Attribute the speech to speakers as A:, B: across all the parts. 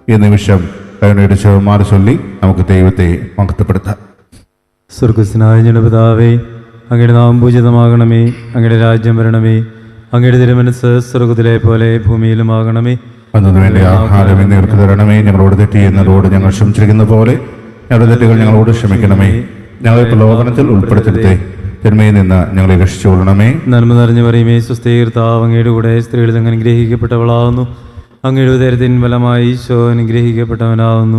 A: ഈ നിമിഷം കരുണയുടെ ചെറുമാറി ചൊല്ലി നമുക്ക് ദൈവത്തെ മഹത്വപ്പെടുത്താം.
B: സ്വർഗസ്നായ ഞങ്ങളുടെ പിതാവേ, അങ്ങയുടെ നാമം പൂജിതമാകണമേ. അങ്ങയുടെ രാജ്യം വരണമേ. അങ്ങയുടെ തിരുമനസ്സ് സ്വർഗത്തിലെ പോലെ ഭൂമിയിലുമാകണമേ.
A: അന്നു വേണ്ടി ആഹാരം ഇന്ന് ഞങ്ങൾക്ക് തരണമേ. ഞങ്ങളോട് തെറ്റ് ചെയ്യുന്നതോട് ഞങ്ങൾ ക്ഷമിച്ചിരിക്കുന്ന പോലെ ഞങ്ങളുടെ തെറ്റുകൾ ഞങ്ങളോട് ക്ഷമിക്കണമേ. ഞങ്ങളെ പ്രലോഭനത്തിൽ ഉൾപ്പെടുത്തരുതേ, തിന്മയിൽ നിന്ന് ഞങ്ങളെ രക്ഷിച്ചുകൊള്ളണമേ.
B: നന്മ നിറഞ്ഞു പറയുമേ, സ്വസ്ഥീകർത്താവ് അങ്ങയുടെ കൂടെ സ്ത്രീകളിൽ അങ്ങ് അനുഗ്രഹിക്കപ്പെട്ടവളാവുന്നു. അങ്ങയുടെ ഉദരത്തിൻ ഫലമായി ഈശോ അനുഗ്രഹിക്കപ്പെട്ടവനാവുന്നു.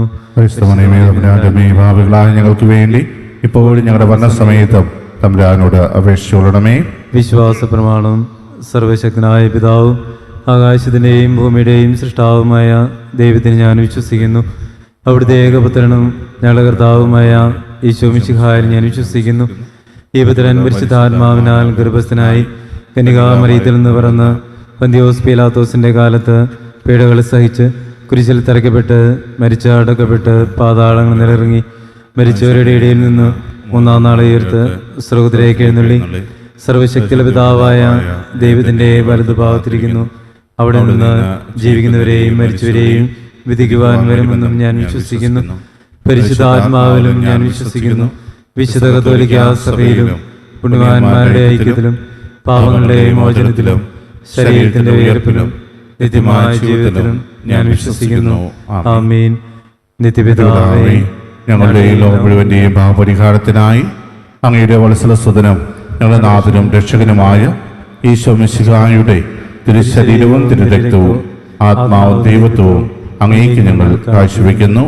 A: ഭാവികളായ ഞങ്ങൾക്ക് വേണ്ടി ഇപ്പോഴും ഞങ്ങളുടെ മരണസമയത്തും തമ്പുരാനോട് അപേക്ഷിച്ചുകൊള്ളണമേ.
B: വിശ്വാസ പ്രമാണം. സർവശക്തനായ പിതാവും ആകാശത്തിൻ്റെയും ഭൂമിയുടെയും സൃഷ്ടാവുമായ ദൈവത്തിന് ഞാൻ വിശ്വസിക്കുന്നു. അവിടുത്തെ ഏകപുത്രനും ഞങ്ങളുടെ കർത്താവുമായ ഈശോ മിശിഹായിൽ ഞാൻ വിശ്വസിക്കുന്നു. ഈ പുത്രൻ പരിശുദ്ധാത്മാവിനാൽ ഗർഭസ്ഥനായി കന്യകാമറിയത്തിൽ നിന്ന് പിറന്ന് പന്തിയോസ് പീലാത്തോസിന്റെ കാലത്ത് പീഡകൾ സഹിച്ച് കുരിശിൽ തറയ്ക്കപ്പെട്ട് മരിച്ച് അടക്കപ്പെട്ട് പാതാളങ്ങൾ നിലയിറങ്ങി മരിച്ചവരുടെ ഇടയിൽ നിന്ന് മൂന്നാം നാൾ ഉയർത്ത് സ്വർഗ്ഗത്തിലേക്ക് എഴുന്നള്ളി സർവശക്തിയുള്ള പിതാവായ ദൈവത്തിന്റെ വലതുഭാഗത്തിരിക്കുന്നു. അവിടെ നിന്ന് ജീവിക്കുന്നവരെയും മരിച്ചവരെയും വിധിക്കുവാൻ വരുമെന്നും ഞാൻ വിശ്വസിക്കുന്നു. പരിശുദ്ധാത്മാവിലും ഞാൻ വിശ്വസിക്കുന്നു. വിശുദ്ധ കത്തോലിക്കാ സഭയിലും പുണ്യവാന്മാരുടെ ഐക്യത്തിലും പാപങ്ങളുടെ മോചനത്തിലും ശരീരത്തിന്റെ ഉയർപ്പിലും നിത്യമായ ജീവിതത്തിലും ഞാൻ വിശ്വസിക്കുന്നു. ആമീൻ. നിത്യപിതാവേ,
A: ഞങ്ങളുടെ ഈ ലോകം മുഴുവന്റെയും പാപപരിഹാരത്തിനായി അങ്ങയുടെ വത്സലസുതനും ഞങ്ങളുടെ നാഥനും രക്ഷകനുമായ ഈശോ മിശിഹായുടെ തിരുശരീരവും തിരുരക്തവും ആത്മാവും ദൈവത്വവും അങ്ങേക്ക് ഞങ്ങൾ കാഴ്ചവെക്കുന്നു.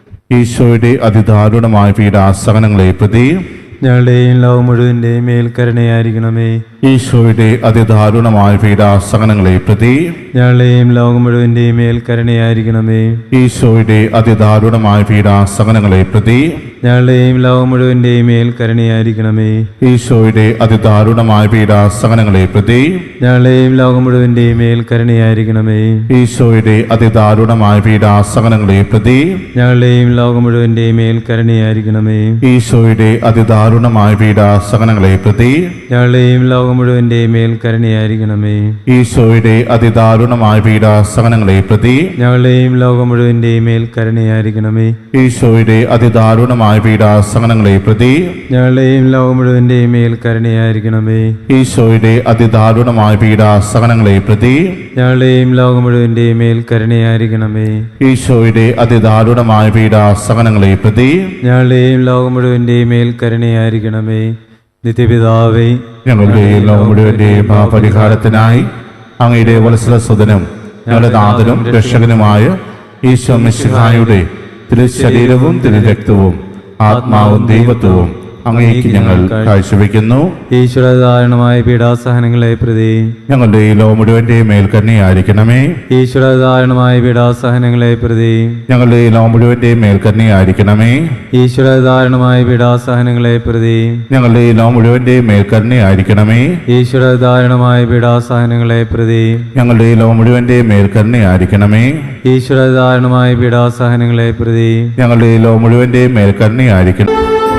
A: ഈശോയുടെ അതിദാരുണമായ പീഡാസഹനങ്ങളെ പ്രതി
B: ഞങ്ങളുടെയും ലോകം മുഴുവന്റെയും മേൽ കരുണയായിരിക്കണമേ.
A: ഈശോയുടെ അതിദാരുണമായ പീഡാസഹനങ്ങളെ പ്രതി
B: ഞങ്ങളുടെയും ലോകം മുഴുവന്റെയും മേൽ കരുണയായിരിക്കണമേ.
A: ഈശോയുടെ അതിദാരുണമായ പീഡാസഹനങ്ങളെ പ്രതി
B: ഞങ്ങളുടെയും ലോകം മുഴുവന്റെയും മേൽ കരുണയായിരിക്കണമേ.
A: ഈശോയുടെ അതിദാരുണമായ പീഡാസഹനങ്ങളെ പ്രതി
B: ഞങ്ങളുടെയും ലോകം മുഴുവന്റെയും മേൽ കരുണയായിരിക്കണമേ.
A: ഈശോയുടെ അതിദാരുണമായ പീഡാസഹനങ്ങളെ പ്രതി
B: ഞങ്ങളുടെയും ലോകം മുഴുവന്റെയും മേൽ കരുണയായിരിക്കണമേ.
A: ഈശോയുടെ അതിദാരുണമായ പീഡാസഹനങ്ങളെ പ്രതി
B: ഞങ്ങളുടെയും ലോകം മുഴുവന്റെയും മേൽ കരുണയായിരിക്കണമേ.
A: ഈശോയുടെ അതിദാരുണമായ പീഡാസഹനങ്ങളെ പ്രതി
B: ഞങ്ങളുടെയും ലോകം മുഴുവന്റെയും മേൽ കരുണയായിരിക്കണമേ.
A: ഈശോയുടെ അതിദാരുണമായ പീഡാസഹനങ്ങളെ പ്രതി
B: ഞങ്ങളുടെയും ലോകം മുഴുവന്റെയും മേൽ കരുണയായിരിക്കണമേ.
A: ഈശോയുടെ അതിദാരുണമായ പീഡാസഹനങ്ങളെ പ്രതി
B: ഞങ്ങളുടെയും ലോകം മുഴുവന്റെയും മേൽ കരുണയായിരിക്കണമേ.
A: ഈശോയുടെ അതിദാരുണമായ പീഡാസഹനങ്ങളെ പ്രതി
B: ഞങ്ങളുടെയും ലോകം മുഴുവന്റെയും മേൽ കരുണയായിരിക്കണമേ. നിത്യപിതാവേ,
A: ഞങ്ങളുടെ ഈ ലോകം മുഴുവന്റെയും പാപപരിഹാരത്തിനായി അങ്ങയുടെ വത്സലസുതനും ഞങ്ങളുടെ നാഥനും രക്ഷകനുമായ ഈശോ മിശിഹായുടെ തിരുശരീരവും തിരുരക്തവും ആത്മാവും ദൈവത്വവും അങ്ങേക്ക് ഞങ്ങൾ കാഴ്ചവെക്കുന്നു.
B: ഈശ്വരധാരണമായ പീഡാസഹനങ്ങളെ പ്രതി
A: ഞങ്ങളുടെ ഈ ലോകം മുഴുവന്റെയും മേൽ കരുണയായിരിക്കണമേ.
B: ഈശ്വരധാരണമായ പീഡാസഹനങ്ങളെ പ്രതി
A: ഞങ്ങളുടെ ഈ ലോകം മുഴുവന്റെയും മേൽ കരുണയായിരിക്കണമേ.
B: ഈശ്വരധാരണമായ പീഡാസഹനങ്ങളെ പ്രതി
A: ഞങ്ങളുടെ ഈ ലോകം മുഴുവന്റെയും മേൽ കരുണയായിരിക്കണമേ.
B: ഈശ്വരധാരണമായ പീഡാസഹനങ്ങളെ പ്രതി
A: ഞങ്ങളുടെ ഈ ലോകം മുഴുവന്റെയും മേൽ കരുണയായിരിക്കണമേ.
B: ഈശ്വരധാരണമായ പീഡാസഹനങ്ങളെ പ്രതി
A: ഞങ്ങളുടെ ഈ ലോകം മുഴുവന്റെയും മേൽ കരുണയായിരിക്കണം.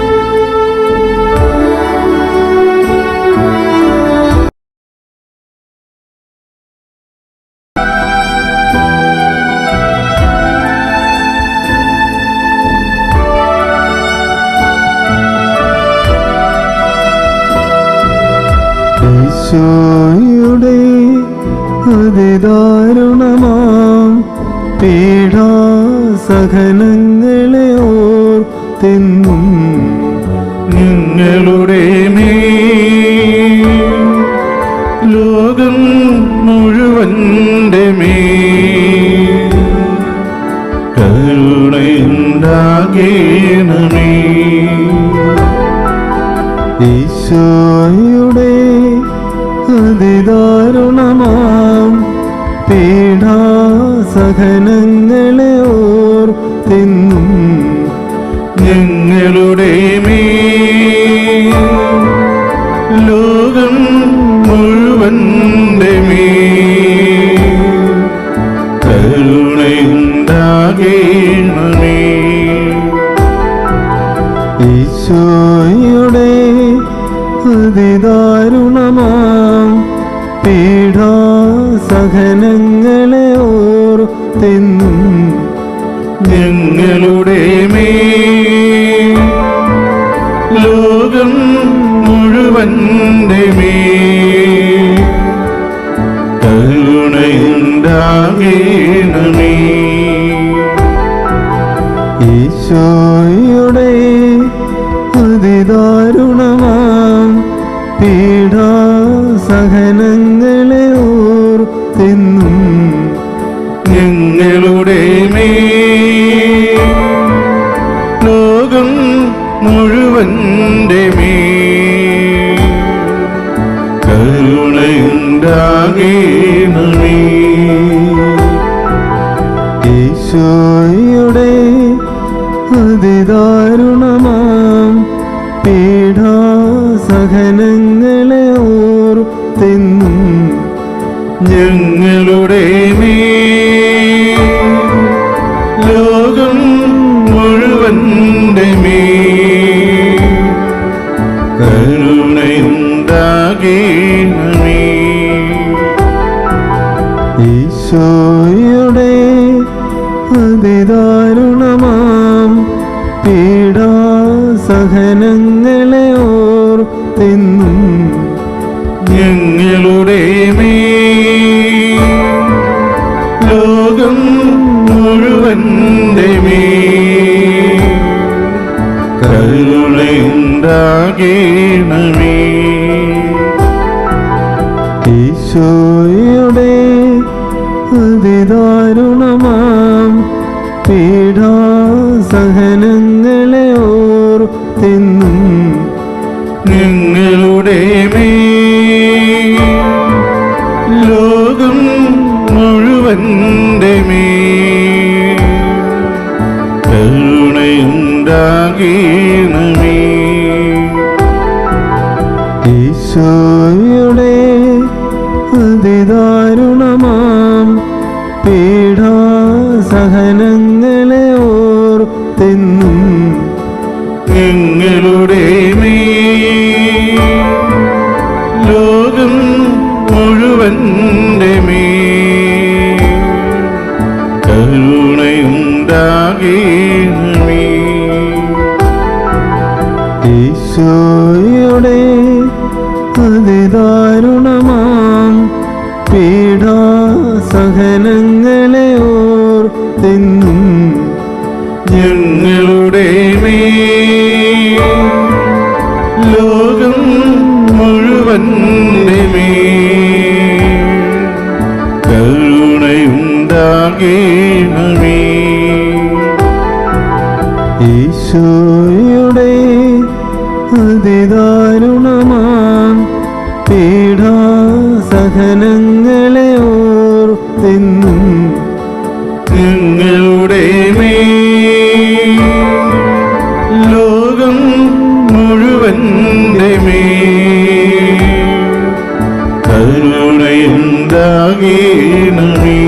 B: ഈശോയുടെ അതിദാരുണമാം പീഡാസഹനങ്ങളെ ഓർത്തെന്നും
A: ഞങ്ങളുടെ മേൽ ലോകം മുഴുവന്റെ മേൽ കരുണയുണ്ടാകണമേ.
B: ഈശോയുടെ അതിദാരുണമാം പീഡാസഹനങ്ങളെ ഓർത്തെന്നും
A: ഞങ്ങളുടെ മേൽ ലോകം മുഴുവന്റെ മേൽ കരുണയുണ്ടാകണമേ.
B: ഈശോയുടെ അതിദാരുണമാം പീഡാസഹനങ്ങളെ ഓർത്തെന്നും
A: മേൽ കരുണയുണ്ടാകണമേ.
B: ഈശോയുടെ അതിദാരുണമാം പീഡാസഹനങ്ങളെ ഓർത്തെന്നും
A: ഞങ്ങളുടെ മേൽ ലോകം മുഴുവന്റെ മേൽ കരുണയുണ്ടാകണമേ.
B: ഈശോയുടെ അതിദാരുണമാം പീഡാസഹനങ്ങളെ ഓർത്തെന്നും
A: ഞങ്ങളുടെ മേൽ ലോകം മുഴുവന്റെ മേൽ കരുണയുണ്ടാകണമേ.
B: ഈശോയുടെ അതിദാരുണമാം പീഡാസഹനങ്ങളെ ഓർത്തെന്നും
A: ഞങ്ങളുടെ മേൽ ലോകം മുഴുവന്റെ മേൽ കരുണയുണ്ടാകണമേ.
B: ഈശോയുടെ അതിദാരുണമാം പീഡാസഹനങ്ങളെ ഓർത്തെന്നും
A: ഞങ്ങളുടെ മേൽ ലോകം മുഴുവന്റെ മേൽ കരുണയുണ്ടാകണമേ.
B: ഈശോയുടെ അതിദാരുണമാം പീഡാസഹനങ്ങളെ ഓർത്തെന്നും
A: ഞങ്ങളുടെ മേൽ ലോകം മുഴുവന്റെ മേൽ കരുണയുണ്ടാകണമേ.
B: ഈശോയുടെ അതിദാരുണമാം പീഡാസഹനങ്ങളെ ഓർത്തെന്നും
A: ഞങ്ങളുടെ മേൽ ലോകം മുഴുവന്റെ മേൽ കരുണയുണ്ടാകണമേ.
B: ഈശോയുടെ അതിദാരുണമാം പീഡാസഹനങ്ങളെ ഓർത്തെന്നും
A: ഞങ്ങളുടെ മേൽ ലോകം മുഴുവന്റെ മേൽ കരുണയുണ്ടാകണമേ.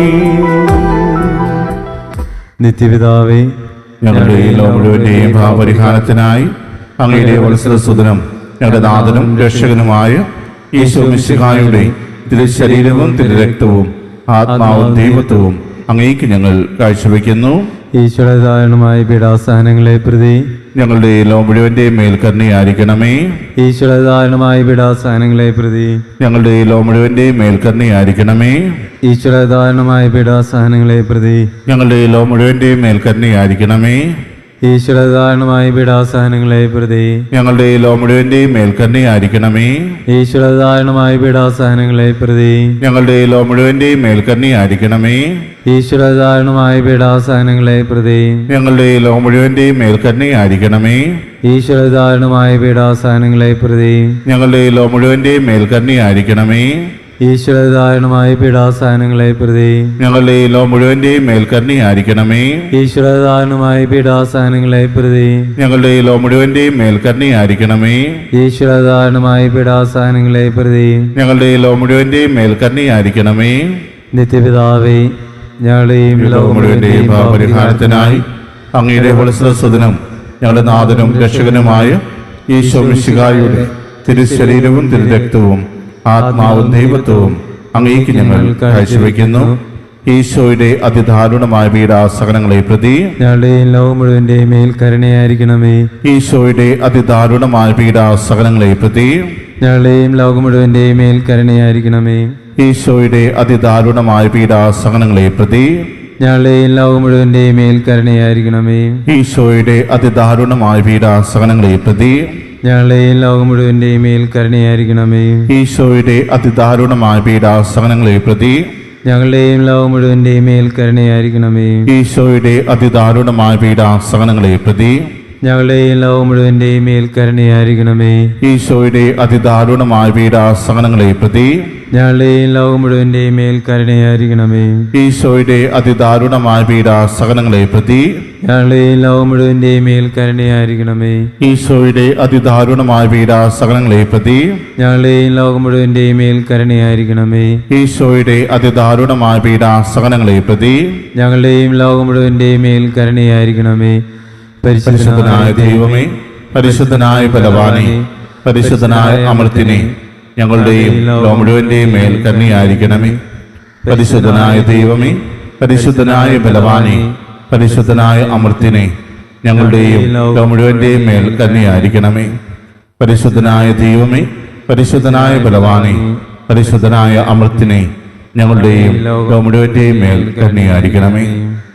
B: നിത്യപിതാവേ,
A: ഞങ്ങളുടെ ഈ ലോകം മുഴുവന്റെയും പാപപരിഹാരത്തിനായി അങ്ങയുടെ വത്സരസുതനും ഞങ്ങളുടെ നാഥനും രക്ഷകനുമായ ഈശോ മിശിഹായുടെ തിരുശരീരവും തിരുരക്തവും ആത്മാവും ദൈവത്വവും അങ്ങേക്ക് ഞങ്ങൾ കാഴ്ചവെക്കുന്നു.
B: ഈശോയുടെ ദാരുണമായ പീഡാസഹനങ്ങളെ പ്രതി
A: ഞങ്ങളുടെ ഈ ലോകം മുഴുവന്റെയും മേൽ കരുണയായിരിക്കണമേ.
B: ഈശോയുടെ ദാരുണമായ പീഡാസഹനങ്ങളെ പ്രതി
A: ഞങ്ങളുടെ ഈ ലോകം മുഴുവന്റെയും മേൽ കരുണയായിരിക്കണമേ.
B: ഈശോയുടെ ദാരുണമായ പീഡാസഹനങ്ങളെ പ്രതി
A: ഞങ്ങളുടെ ഈ ലോകം മുഴുവന്റെയും മേൽ കരുണയായിരിക്കണമേ.
B: ഈശോയുടെ ദാരുണമായ പീഡാസഹനങ്ങളെ പ്രതി
A: ഞങ്ങളുടെ ഈ ലോകം മുഴുവന്റെയും മേൽ കരുണയായിരിക്കണമേ.
B: ഈശോയുടെ ദാരുണമായ പീഡാസഹനങ്ങളെ പ്രതി
A: ഞങ്ങളുടെ ഈ ലോകം മുഴുവന്റെയും മേൽ കരുണയായിരിക്കണമേ.
B: ഈശോയുടെ ദാരുണമായ പീഡാസഹനങ്ങളെ പ്രതി
A: ഞങ്ങളുടെ ഈ ലോകം മുഴുവന്റെയും മേൽ കരുണയായിരിക്കണമേ.
B: ഈശോയുടെ ദാരുണമായ പീഡാസഹനങ്ങളെ പ്രതി
A: ഞങ്ങളുടെ ഈ ലോകം മുഴുവന്റെയും മേൽ കരുണയായിരിക്കണമേ.
B: ഈശോയുടെ ദാരുണമായ പീഡാസഹനങ്ങളെ പ്രതി
A: ഞങ്ങളുടെ ഈ ലോകം മുഴുവന്റെയും മേൽ കരുണയായിരിക്കണമേ.
B: ഈശോയുടെ ദാരുണമായ പീഡാസഹനങ്ങളെ പ്രതി
A: ഞങ്ങളുടെ ഈ ലോകം മുഴുവന്റെയും മേൽ കരുണയായിരിക്കണമേ.
B: ഈശോയുടെ ദാരുണമായ പീഡാസഹനങ്ങളെ പ്രതി
A: ഞങ്ങളുടെ ഈ ലോകം മുഴുവന്റെയും മേൽ കരുണയായിരിക്കണമേ.
B: നിത്യപിതാവേ, ഞങ്ങളുടെയും
A: ഈ ലോകം മുഴുവന്റെയും പാപപരിഹാരത്തിനായി അങ്ങയുടെ വത്സരസുതനും ഞങ്ങളുടെ നാഥനും രക്ഷകനുമായ ഈശോ മിശിഹായുടെ തിരുശരീരവും തിരുരക്തവും ആത്മാവും ദൈവത്വവും അങ്ങേക്ക് ഞങ്ങൾ കാഴ്ചവെക്കുന്നു. ഈശോയുടെ അതിദാരുണമായ പീഡാസഹനങ്ങളെ പ്രതി
B: ഞങ്ങളുടെയും ലോകം മുഴുവന്റെയും മേൽ കരുണയായിരിക്കണമേ.
A: ഈശോയുടെ അതിദാരുണമായ പീഡാസഹനങ്ങളെ പ്രതി
B: ഞങ്ങളുടെയും ലോകം മുഴുവന്റെയും മേൽ കരുണയായിരിക്കണമേ.
A: ഈശോയുടെ അതിദാരുണമായ പീഡാസഹനങ്ങളെ പ്രതി
B: ഞങ്ങളുടെയും ലോകം മുഴുവന്റെയും മേൽ കരുണയായിരിക്കണമേ.
A: ഈശോയുടെ അതിദാരുണമായ പീഡാസഹനങ്ങളെ പ്രതി
B: ഞങ്ങളുടെയും ലോകം മുഴുവന്റെയും മേൽ കരുണയായിരിക്കണമേ.
A: ഈശോയുടെ അതിദാരുണമായ പീഡാസഹനങ്ങളെ പ്രതി
B: ഞങ്ങളുടെയും ലോകം മുഴുവന്റെയും മേൽ കരുണയായിരിക്കണമേ.
A: ഈശോയുടെ അതിദാരുണമായ പീഡാസഹനങ്ങളെ പ്രതി
B: ഞങ്ങളുടെയും ലോകം മുഴുവന്റെയും മേൽ കരുണയായിരിക്കണമേ.
A: ഈശോയുടെ അതിദാരുണമായ പീഡാസഹനങ്ങളെ പ്രതി
B: ഞങ്ങളുടെയും ലോകം മുഴുവന്റെയും മേൽ കരുണയായിരിക്കണമേ.
A: ഈശോയുടെ അതിദാരുണമായ പീഡാസഹനങ്ങളെ പ്രതി
B: ഞങ്ങളുടെയും ലോകം മുഴുവന്റെയും മേൽ കരുണയായിരിക്കണമേ.
A: ഈശോയുടെ അതിദാരുണമായ പീഡാസഹനങ്ങളെ പ്രതി
B: ഞങ്ങളുടെയും ലോകം മുഴുവന്റെയും മേൽ കരുണയായിരിക്കണമേ.
A: ഈശോയുടെ അതിദാരുണമായ പീഡാസഹനങ്ങളെ പ്രതി
B: ഞങ്ങളുടെയും ലോകം മുഴുവന്റെയും മേൽ കരുണയായിരിക്കണമേ.
A: പരിശുദ്ധനായ ദൈവമേ, പരിശുദ്ധനായ ബലവാനേ, പരിശുദ്ധനായ അമർത്തിനെ, ഞങ്ങളുടെയും ലോകം മുഴുവന്റെയും മേൽ കരുണയായിരിക്കണമേ. പരിശുദ്ധനായ ദൈവമേ, പരിശുദ്ധനായ ബലവാനേ, പരിശുദ്ധനായ അമർത്തിനെ, ഞങ്ങളുടെയും ലോകം മുഴുവന്റെയും മേൽ കരുണയായിരിക്കണമേ. പരിശുദ്ധനായ ദൈവമേ, പരിശുദ്ധനായ ബലവാനേ, പരിശുദ്ധനായ അമർത്തിനെ, ഞങ്ങളുടെയും ലോകം മുഴുവന്റെയും മേൽ കരുണയായിരിക്കണമേ.